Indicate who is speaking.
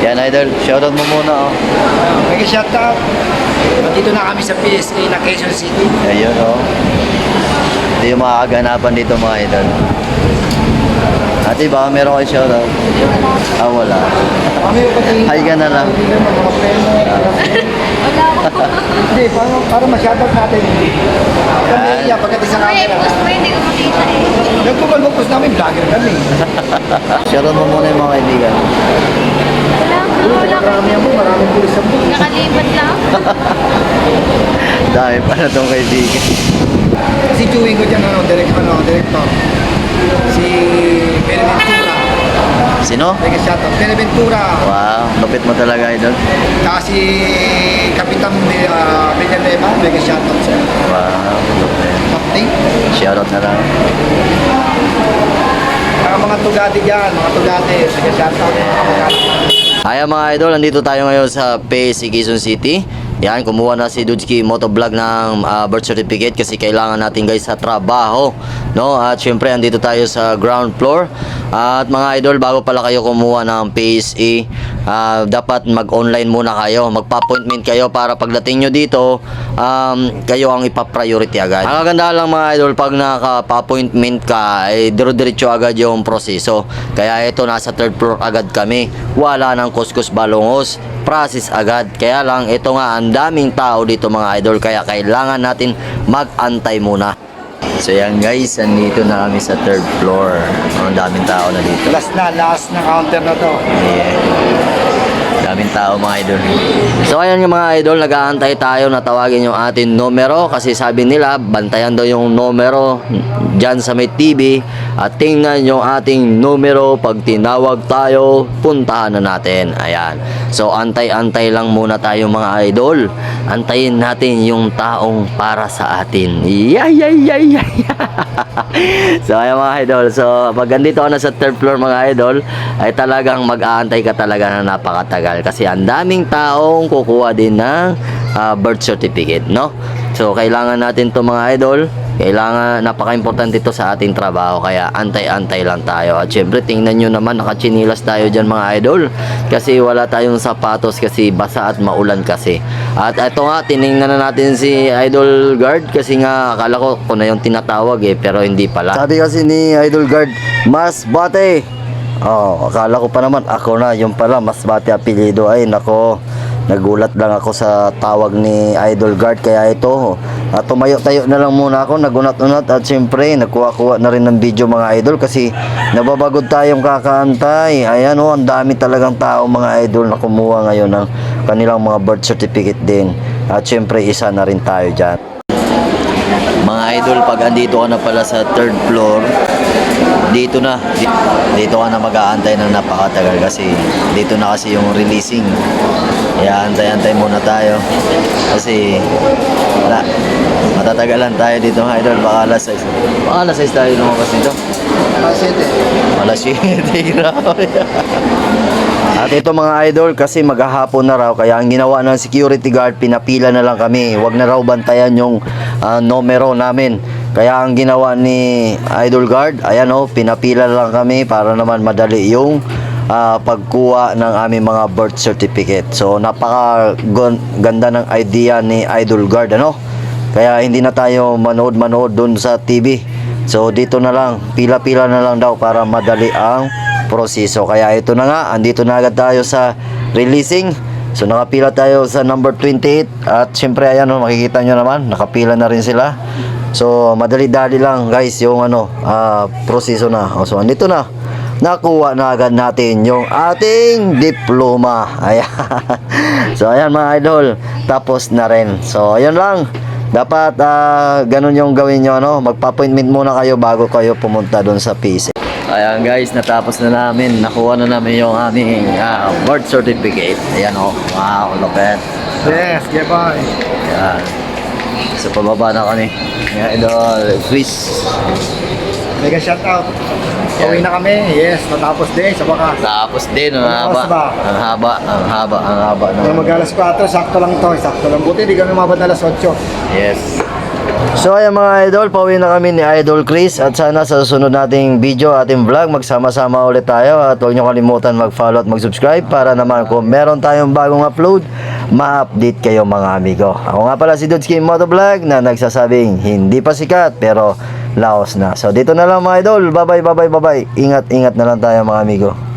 Speaker 1: Yan, idol. Shoutout mo muna, oh.
Speaker 2: Mega shoutout. Dito na kami sa PSA na Quezon City.
Speaker 1: Ayun, oh. Ito yung mga kaganapan dito, mga idol. Ate, baka meron kayo shoutout? Ah, wala.
Speaker 2: Kami yung pati.
Speaker 1: Hi ka na lang.
Speaker 2: Mga preno. Hindi, para ma-shoutout natin. Kami iya, pagdating sa
Speaker 3: Ay,
Speaker 2: camera.
Speaker 3: post mo, hindi ko makita eh.
Speaker 2: Nagpupal-pupos namin, vlogger kami.
Speaker 1: Shoutout mo muna yung mga kaibigan.
Speaker 3: Wala
Speaker 2: Marami yan po, maraming pulis sa po.
Speaker 3: Nakalipat lang.
Speaker 1: Dahil pa na itong kaibigan.
Speaker 2: Si Chewing ko dyan, director. Si Beneventura.
Speaker 1: Sino?
Speaker 2: Mega shoutout. Beneventura.
Speaker 1: Wow, lupit mo talaga, idol.
Speaker 2: Tsaka si Kapitan Villanueva. Mega shoutout siya.
Speaker 1: Wow, lupit.
Speaker 2: Captain.
Speaker 1: Shoutout na lang.
Speaker 2: Mga tugati dyan, mga tugati. Mega shoutout. Mga tugati.
Speaker 1: Ayan mga idol, nandito tayo ngayon sa PSA Quezon City. Yan, kumuha na si Dudski Motovlog ng birth certificate kasi kailangan natin guys sa trabaho, no? At syempre andito tayo sa ground floor. At mga idol, bago pala kayo kumuha ng PSA, dapat mag-online muna kayo, magpa-appointment kayo para pagdating nyo dito, kayo ang ipa-priority agad. Ang ganda lang mga idol, pag nakapa-appointment ka, ay dire-diretso agad yung proseso. Kaya ito, nasa third floor agad kami. Wala nang kuskus balongos, process agad. Kaya lang, ito nga, ang daming tao dito mga idol, kaya kailangan natin mag-antay muna. So yan guys, andito na kami sa third floor. Ang daming tao na dito.
Speaker 2: Last na counter na to.
Speaker 1: Yeah. Daming tao mga idol. So ayan yung mga idol, nag-aantay tayo na tawagin yung ating numero kasi sabi nila bantayan daw yung numero dyan sa may TV at tingnan yung ating numero. Pag tinawag tayo, puntahan na natin. Ayan. So antay-antay lang muna tayo mga idol. Antayin natin yung taong para sa atin. Yay! So ayan mga idol. So pag andito ka na sa third floor mga idol, ay talagang mag-aantay ka talaga na napakatagal kasi ang daming taong kukuha din ng birth certificate, no? So kailangan natin to mga idol. Kailangan, napaka-importante ito sa ating trabaho kaya antay-antay lang tayo. At syempre tingnan nyo naman, nakachinilas tayo dyan mga idol kasi wala tayong sapatos kasi basa at maulan kasi. At ito nga, tiningnan na natin si Idol Guard kasi nga akala ko kung na yung tinatawag pero hindi pala. Sabi kasi ni Idol Guard, Mas Bate. Oh, akala ko pa naman ako na, yung pala Mas Bate apelido. Ay nako, nagulat lang ako sa tawag ni Idol Guard kaya ito. At tumayo-tayo na lang muna ako, nagunat-unat at siyempre nagkuha-kuha na rin ng video mga idol kasi nababagod tayong kakaantay. Ayan o, ang dami talagang tao mga idol na kumuha ngayon ng kanilang mga birth certificate din. At siyempre isa na rin tayo dyan. Mga idol, pag andito ka na pala sa third floor, dito ka na mag-aantay ng napakatagal kasi dito na kasi yung releasing. Kaya antay-antay muna tayo kasi matatagalan tayo dito mga idol. Baka alas 6 tayo lumabas dito. Alas 7 grabe. At ito mga idol, kasi maghahapon na raw kaya ang ginawa ng security guard, pinapila na lang kami. Huwag na raw bantayan yung numero namin. Kaya ang ginawa ni Idol Guard, ayan o, pinapila lang kami para naman madali yung pagkuha ng aming mga birth certificate. So napaka ganda ng idea ni Idol Guard, ano? Kaya hindi na tayo manood dun sa TV. So dito na lang, pila-pila na lang daw para madali ang proseso. Kaya ito na nga, andito na agad tayo sa releasing. So nakapila tayo sa number 28 at syempre ayan o, makikita nyo naman, nakapila na rin sila. So madali-dali lang guys yung proseso na. So andito na, nakuha na agad natin yung ating diploma. Ayan. So ayan mga idol, tapos na rin. So ayan lang, dapat ganun yung gawin nyo, no? Magpa-appointment muna kayo bago kayo pumunta doon sa PC. Ayan guys, natapos na namin, nakuha na namin yung aming birth certificate. Ayan o, wow, lupet.
Speaker 2: Yes, yeah boy.
Speaker 1: Ayan. So pababa na kami. Ayan idol, Chris.
Speaker 2: Mega shoutout. Uwi na kami. Yes, natapos din sa wakas.
Speaker 1: Tapos din, ang haba. Ang haba.
Speaker 2: Nung mag-alas 4, sakto lang to. Sakto lang. Buti, di kami umabot na alas 8.
Speaker 1: Yes. So ayan mga idol, pauwi na kami ni Idol Chris at sana sa susunod nating video, ating vlog, magsama-sama ulit tayo at huwag nyo kalimutan mag-follow at mag-subscribe para naman kung meron tayong bagong upload, ma-update kayo mga amigo. Ako nga pala si Dudski Motovlog na nagsasabing hindi pa sikat pero laos na. So dito na lang mga idol, bye bye. Ingat na lang tayo mga amigo.